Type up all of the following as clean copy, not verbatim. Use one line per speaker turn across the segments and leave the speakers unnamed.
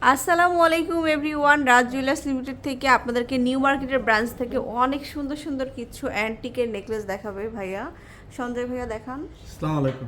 আসসালামু আলাইকুম এভরিওয়ান, রাজ jewellers limited থেকে আপনাদেরকে নিউ মার্কেটের ব্রাঞ্চ থেকে অনেক সুন্দর সুন্দর কিছু অ্যান্টিকের নেকলেস দেখাবে ভাইয়া। সঞ্জয় ভাইয়া দেখান।
আসসালামু আলাইকুম।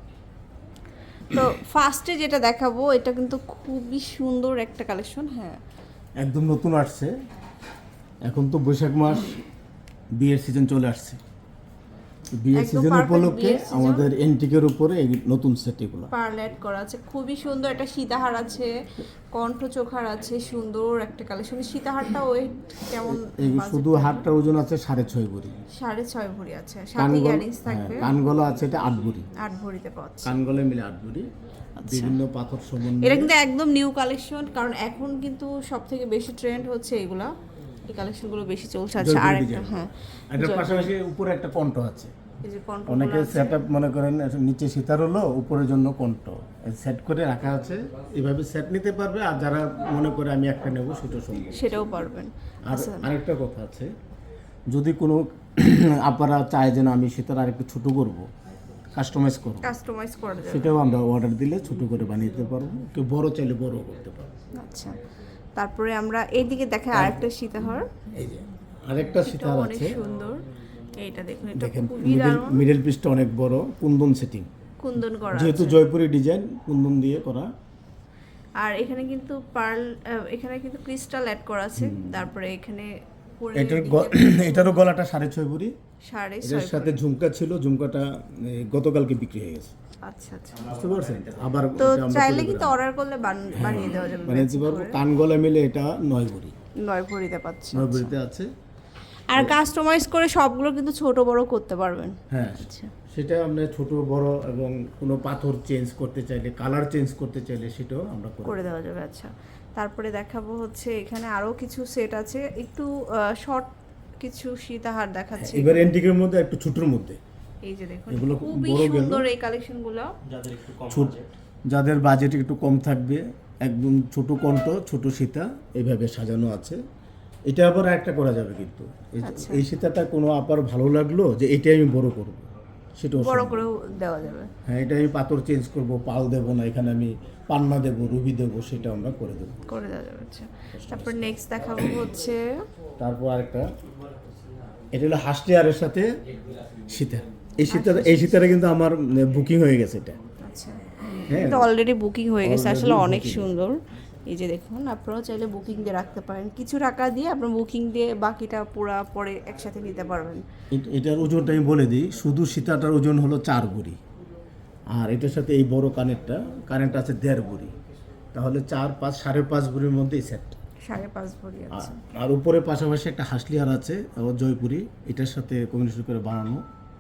তো ফার্স্টে যেটা দেখাবো এটা কিন্তু খুবই সুন্দর একটা কালেকশন। হ্যাঁ,
একদম নতুন আসছে। এখন তো বৈশাখ মাস, বিয়ের সিজন চলে আসছে। বিয়ের
একদম
সিজন
perfect
উপলক্ষে
বিয়ের season।
আমাদের এন্টিকের উপরে এই নতুন সেট এগুলো।
পার্ল অ্যাড করা আছে, খুবই সুন্দর একটা সীতাহার আছে, কণ্ঠ চোখার আছে, সুন্দর একটা কালেকশন। সীতাহারটা ওয়েট কেমন?
এই শুধু হাতটা ওজন আছে 6.5 ভরি,
6.5 ভরি আছে, সাথে ইয়ারিংস থাকবে।
কানগলা আছে এটা 8 ভরি,
8 ভরিতে পাচ্ছে।
কানগলে মিলে 8 ভরি। বিভিন্ন পাথর
এটা
সমন্বয়ে
কিন্তু একদম নিউ কালেকশন, কারণ এখন কিন্তু সব থেকে বেশি ট্রেন্ড হচ্ছে এগুলা, এই কালেকশনগুলো বেশি চলছে। আচ্ছা, আর একটা হ্যাঁ,
এটার পাশাপাশি উপরে একটা কণ্ঠ আছে।
এই যে কণ্ঠ
অনেকে সেটআপ মনে করেন নিচে সীতার হলো, উপরের জন্য কণ্ঠ সেট করে রাখা আছে। এইভাবে সেট নিতে পারবে, আর যারা মনে করে আমি একটা নেব সেটা সম্ভব,
সেটাও পারবেন।
আর আরেকটা কথা আছে, যদি কোনো আপনারা চায় যে না আমি সীতার আরেকটু ছোট করব, কাস্টমাইজ
করা যাবে।
সেটাও আমরা অর্ডার দিলে ছোট করে বানিয়ে দিতে পারবো, কেউ বড় চাইলে বড় করতে পারবো।
আচ্ছা, তারপরে আমরা এইদিকে দেখাই আরেকটা সীতাহার।
এই যে আরেকটা সীতার
অনেক
আছে,
সুন্দর। এইটা দেখুন, এটা
দেখেন
খুবই দারুণ,
মিডল পিসটা অনেক বড়, কুন্দন সেটিং,
কুন্দন করা
যেহেতু
আছে।
জয়পুরি ডিজাইন কুন্দন দিয়ে করা।
আর এখানে কিন্তু পার্ল, এখানে কিন্তু ক্রিস্টাল অ্যাড করা আছে। তারপরে এখানে
এটারও গলাটা 6.5 ভরি,
6.5।
এর সাথে ঝুমকা ছিল, ঝুমকাটা গতকালকে বিক্রি হয়ে গেছে।
আচ্ছা আচ্ছা,
বুঝতে পারছেন? আবার
তো
এটা আমরা
চাইলে কিন্তু অর্ডার করলে বানিয়ে দেওয়া যাবে।
বানিয়ে পারবো। কান গলা মিলে এটা 9 ভরি,
9 ভরিতে পাচ্ছি।
9 ভরিতে আছে।
আর কাস্টমাইজ করে সবগুলো কিন্তু ছোট বড় করতে পারবেন।
হ্যাঁ,
আচ্ছা,
সেটা আমরা ছোট বড় এবং কোনো পাথর চেঞ্জ করতে চাইলে, কালার চেঞ্জ করতে চাইলে সেটাও আমরা
করে দেওয়া যাবে। আচ্ছা, তারপরে দেখাবো হচ্ছে এখানে আরো কিছু সেট আছে, একটু শর্ট কিছু সীতাহার দেখাচ্ছি।
এবার এন্টিকের মধ্যে একটু ছোটর মধ্যে,
এই যে দেখুন,
এগুলো
খুবই
বড় গেল।
সুন্দর এই কালেকশনগুলো।
যাদের বাজেট একটু কম থাকবে, একদম ছোট কণ্ঠ, ছোট সীতা এইভাবে সাজানো আছে। এটা আবার একটা করা যাবে, কিন্তু এই সীতাটা কোনো আপার ভালো লাগলো যে এটাই আমি বড় করব, সেটাও
বড়
সম্ভব।
করেও দেওয়া যাবে।
হ্যাঁ, এটা আমি পাথর চেঞ্জ করব, পাল দেবো না, এখানে আমি পান্না দেবো, রুবি দেবো, সেটা আমরা করে দেবো।
করে দেওয়া যাবে। আচ্ছা, তারপর নেক্সট দেখাবো হচ্ছে
তারপর আরেকটা, এটা হলো হাসটিয়ারের সাথে সীতা। এই সীতাটা কিন্তু আমার বুকিং হয়ে গেছে এটা।
আচ্ছা,
হ্যাঁ,
এটা অলরেডি বুকিং হয়ে গেছে।
Already
আসলে অনেক
booking।
সুন্দর। এই যে দেখুন, আপনারাও চাইলে বুকিং দিয়ে রাখতে পারেন, কিছু টাকা দিয়ে আপনার বুকিং দিয়ে বাকিটা পুরা পরে একসাথে নিতে পারবেন।
এটার ওজনটা আমি বলে দিই, শুধু সীতাটার ওজন হলো 4 ভরি, আর এটার সাথে এই বড় কানেরটা আছে 1.5 ভরি, তাহলে 4, 5, 5.5 ভরির মধ্যে এই সেট।
5.5 ভরি আছে।
আর উপরে পাশাপাশি একটা হাসলিহার আছে, আবার জয়পুরি, এটার সাথে কম্বিনেশন করে বানানো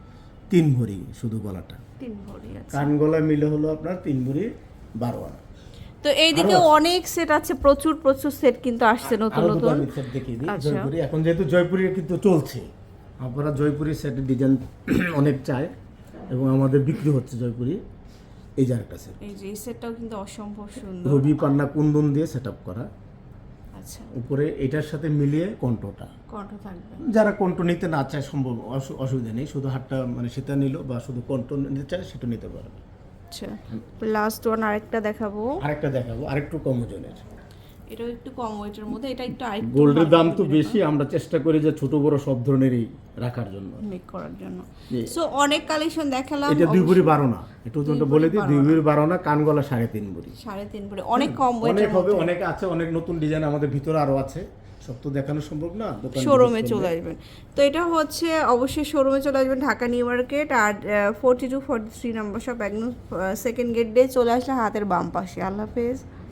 3 ভরি শুধু গলাটা।
3 ভরি আছে।
কান গলা মিলে হলো আপনার 3 ভরি 12 আনা।
তো এইদিকে অনেক সেট আছে, প্রচুর প্রচুর সেট কিন্তু আসছে নতুন
আরো দুটো
নতুন।
আমি সেট দেখিয়ে দিই।
আচ্ছা।
জয়পুরি, এখন যেহেতু জয়পুরি কিন্তু চলছে, আপনারা জয়পুরি সেটের ডিজাইন অনেক চায় এবং আমাদের বিক্রি হচ্ছে জয়পুরি। এই যে আরেকটা সেট,
এই যে এই সেটটাও কিন্তু অসম্ভব সুন্দর।
রবি পান্না কুন্দন দিয়ে সেট আপ করা,
আচ্ছা,
উপরে এটার সাথে মিলিয়ে কণ্ঠটা।
কণ্ঠ থাকবে।
যারা কণ্ঠ নিতে না চায় সম্ভব, অসুবিধা নেই, শুধু হাতটা মানে সেটা নিল বা শুধু কণ্ঠ নিতে চায় সেটা নিতে পারবে।
আচ্ছা, লাস্ট ওয়ান আরেকটা দেখাবো।
আরেকটা দেখাবো, আরেকটু কম ওজনের।
এটাও একটু কম ওয়েটের মধ্যে, এটা একটু আরেকটু
গোল্ডের দাম তো বেশি, আমরা চেষ্টা করি যে ছোট বড় সব ধরনেরই রাখার জন্য,
মেক করার জন্য। সো অনেক কালেকশন দেখালাম।
এটা 2 ভরি 12 না, একটু ওজনটা বলে দিই, 2 ভরি 12 না, কান গলা 3.5 ভরি।
3.5 ভরি, অনেক কম
অনেক
ওয়েটের
হবে,
মধ্যে।
অনেক আছে, অনেক নতুন ডিজাইন আমাদের ভিতরে আরো আছে, সব তো দেখানো সম্ভব না।
শোরুমে চলে আসবেন। তো এটা হচ্ছে অবশ্যই শোরুমে চলে আসবেন, ঢাকা নিউ মার্কেট, আর 42-43 নম্বর শপ, একদম সেকেন্ড গেট দিয়ে চলে আসলে হাতের বাম পাশে। আল্লাহ হাফেজ।